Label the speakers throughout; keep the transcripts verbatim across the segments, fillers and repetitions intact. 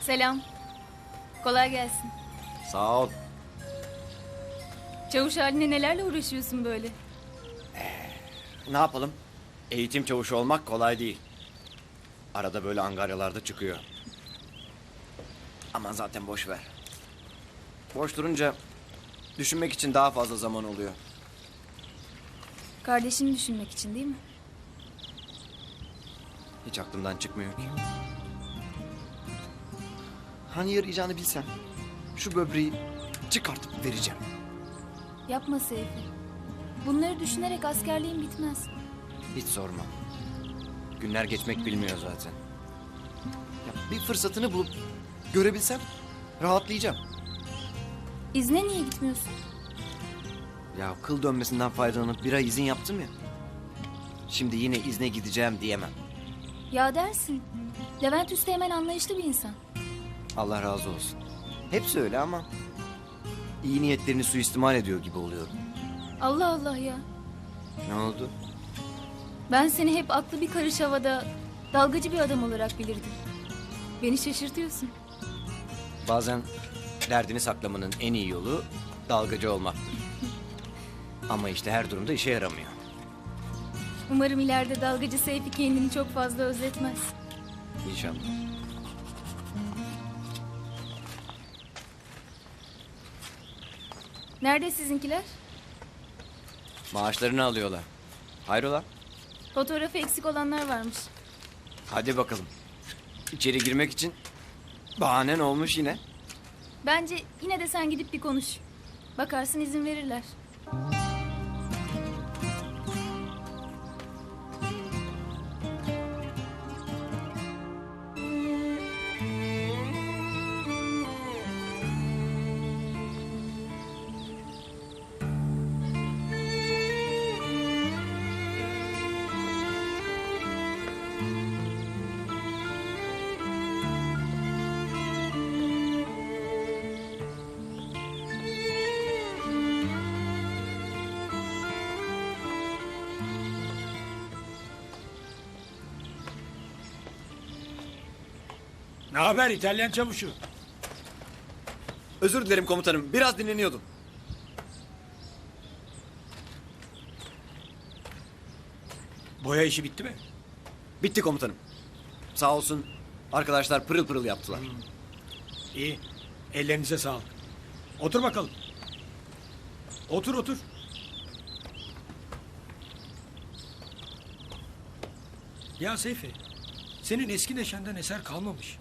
Speaker 1: Selam. Kolay gelsin.
Speaker 2: Sağ ol.
Speaker 1: Çavuş haline nelerle uğraşıyorsun böyle?
Speaker 2: Ne yapalım? Eğitim çavuşu olmak kolay değil. Arada böyle angaryalarda çıkıyor. Aman zaten boş ver. Boş durunca düşünmek için daha fazla zaman oluyor.
Speaker 1: Kardeşini düşünmek için değil mi?
Speaker 2: Hiç aklımdan çıkmıyor ki. Hani yarayacağını bilsem şu böbreği çıkartıp vereceğim.
Speaker 1: Yapma Seyfi. Bunları düşünerek askerliğin bitmez.
Speaker 2: Hiç sorma. Günler geçmek bilmiyor zaten. Ya bir fırsatını bulup görebilsem rahatlayacağım.
Speaker 1: İzne niye gitmiyorsun?
Speaker 2: Ya kıl dönmesinden faydalanıp bir ay izin yaptım ya. Şimdi yine izne gideceğim diyemem.
Speaker 1: Ya dersin. Levent Üsteğmen anlayışlı bir insan.
Speaker 2: Allah razı olsun. Hepsi öyle ama iyi niyetlerini suistimal ediyor gibi oluyorum.
Speaker 1: Allah Allah ya.
Speaker 2: Ne oldu?
Speaker 1: Ben seni hep aklı bir karış havada, dalgacı bir adam olarak bilirdim. Beni şaşırtıyorsun.
Speaker 2: Bazen derdini saklamanın en iyi yolu dalgacı olmaktır. Ama işte her durumda işe yaramıyor.
Speaker 1: Umarım ileride dalgacı Seyfi kendini çok fazla özletmez.
Speaker 2: İnşallah.
Speaker 1: Nerede sizinkiler?
Speaker 2: Maaşlarını alıyorlar. Hayrola?
Speaker 1: Fotoğrafı eksik olanlar varmış.
Speaker 2: Hadi bakalım. İçeri girmek için bahanen olmuş yine.
Speaker 1: Bence yine de sen gidip bir konuş. Bakarsın izin verirler.
Speaker 3: Ne haber İtalyan çavuşu?
Speaker 2: Özür dilerim komutanım. Biraz dinleniyordum.
Speaker 3: Boya işi bitti mi?
Speaker 2: Bitti komutanım. Sağ olsun arkadaşlar pırıl pırıl yaptılar.
Speaker 3: İyi. Ellerinize sağlık. Otur bakalım. Otur otur. Ya Seyfi, senin eski neşenden eser kalmamış.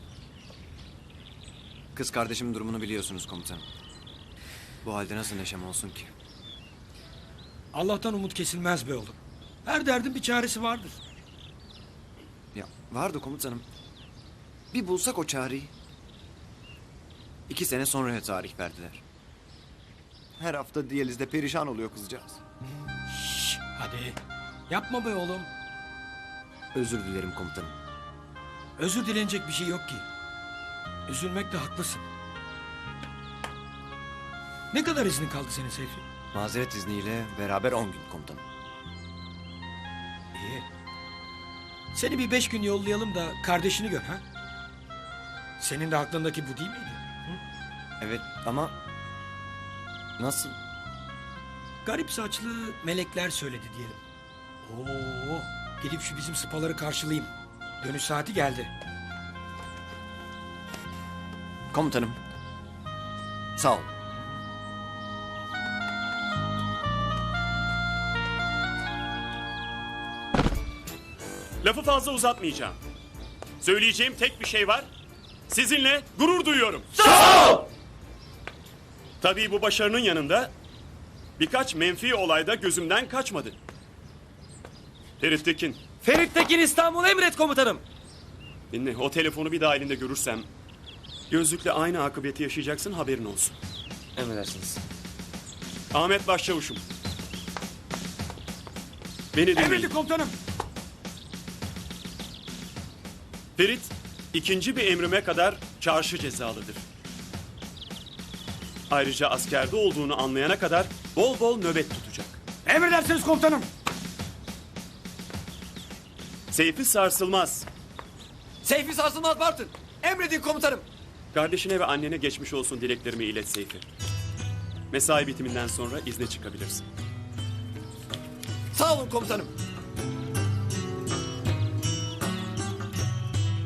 Speaker 2: Kız kardeşimin durumunu biliyorsunuz komutanım. Bu halde nasıl neşem olsun ki?
Speaker 3: Allah'tan umut kesilmez be oğlum. Her derdin bir çaresi vardır.
Speaker 2: Ya vardı komutanım. Bir bulsak o çareyi. İki sene sonraya tarih verdiler. Her hafta diyalizde perişan oluyor kızcağız.
Speaker 3: Şş, hadi. Yapma be oğlum.
Speaker 2: Özür dilerim komutanım.
Speaker 3: Özür dilenecek bir şey yok ki. Üzülmekte haklısın. Ne kadar iznin kaldı senin Seyfi?
Speaker 2: Mazeret izniyle beraber on gün komutanım.
Speaker 3: İyi. Seni bir beş gün yollayalım da kardeşini gör ha? Senin de aklındaki bu değil miydi?
Speaker 2: Evet ama nasıl?
Speaker 3: Garip saçlı melekler söyledi diyelim. Oo, gidip şu bizim sıpaları karşılayayım. Dönüş saati geldi.
Speaker 2: Komutanım. Sağ ol.
Speaker 4: Lafı fazla uzatmayacağım. Söyleyeceğim tek bir şey var. Sizinle gurur duyuyorum. Sağ ol! Tabii bu başarının yanında birkaç menfi olayda gözümden kaçmadı. Ferit Tekin.
Speaker 2: Ferit Tekin İstanbul emret komutanım.
Speaker 4: Dinle, o telefonu bir daha elinde görürsem gözlükle aynı akıbeti yaşayacaksın, haberin olsun.
Speaker 2: Emredersiniz.
Speaker 4: Ahmet Başçavuşum. Beni dinleyin.
Speaker 3: Emredin komutanım.
Speaker 4: Ferit ikinci bir emrime kadar çarşı cezalıdır. Ayrıca askerde olduğunu anlayana kadar bol bol nöbet tutacak.
Speaker 3: Emredersiniz komutanım.
Speaker 4: Seyfi sarsılmaz.
Speaker 2: Seyfi sarsılmaz Bartın. Emredin komutanım.
Speaker 4: Kardeşine ve annene geçmiş olsun dileklerimi ilet Seyfi. Mesai bitiminden sonra izne çıkabilirsin.
Speaker 2: Sağ olun komutanım.